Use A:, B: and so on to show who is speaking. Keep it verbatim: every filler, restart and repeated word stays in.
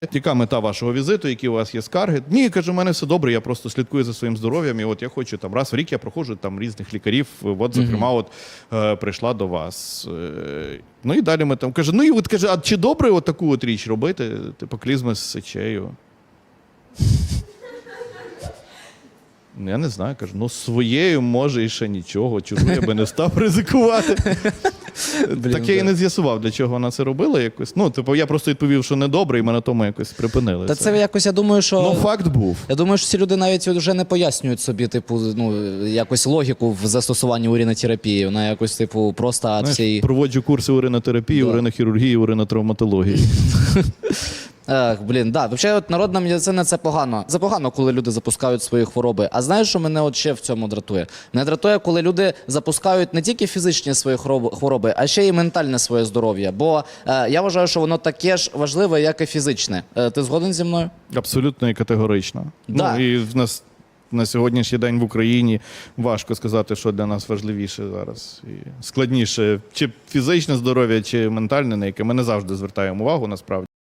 A: Яка мета вашого візиту, які у вас є скарги? Ні, кажу, у мене все добре, я просто слідкую за своїм здоров'ям, і от я хочу там раз в рік я проходжу там різних лікарів, от, зокрема, от е, прийшла до вас. Е, ну і далі ми там, каже, ну і от каже, а чи добре от таку от річ робити, типу клізми з сечею? Я не знаю, кажу, ну своєю може і ще нічого, чужу я би не став ризикувати.
B: Блін,
A: так я і
B: да.
A: не з'ясував, для чого вона це робила якось. Ну, типу, я просто відповів, що недобре, і ми на тому якось припинили.
B: Та це якось, я думаю, що...
A: Ну, факт був.
B: Я думаю, що ці люди навіть вже не пояснюють собі, типу, ну, якось логіку в застосуванні уринотерапії. Вона якось, типу, просто від
A: Знаєш,
B: всієї...
A: проводжу курси уринотерапії,
B: Да.
A: уринохірургії, уринотравматології.
B: Ех, блін, да. Взагалі, от народна медицина – це погано. Це погано, коли люди запускають свої хвороби. А знаєш, що мене от ще в цьому дратує? Мене дратує, коли люди запускають не тільки фізичні свої хвороби, а ще й ментальне своє здоров'я. Бо е, я вважаю, що воно таке ж важливе, як і фізичне. Е, ти згоден зі мною?
A: Абсолютно і категорично.
B: Да.
A: Ну, і в нас на сьогоднішній день в Україні важко сказати, що для нас важливіше зараз. І складніше, чи фізичне здоров'я, чи ментальне, на яке ми не завжди звертаємо увагу, насправді.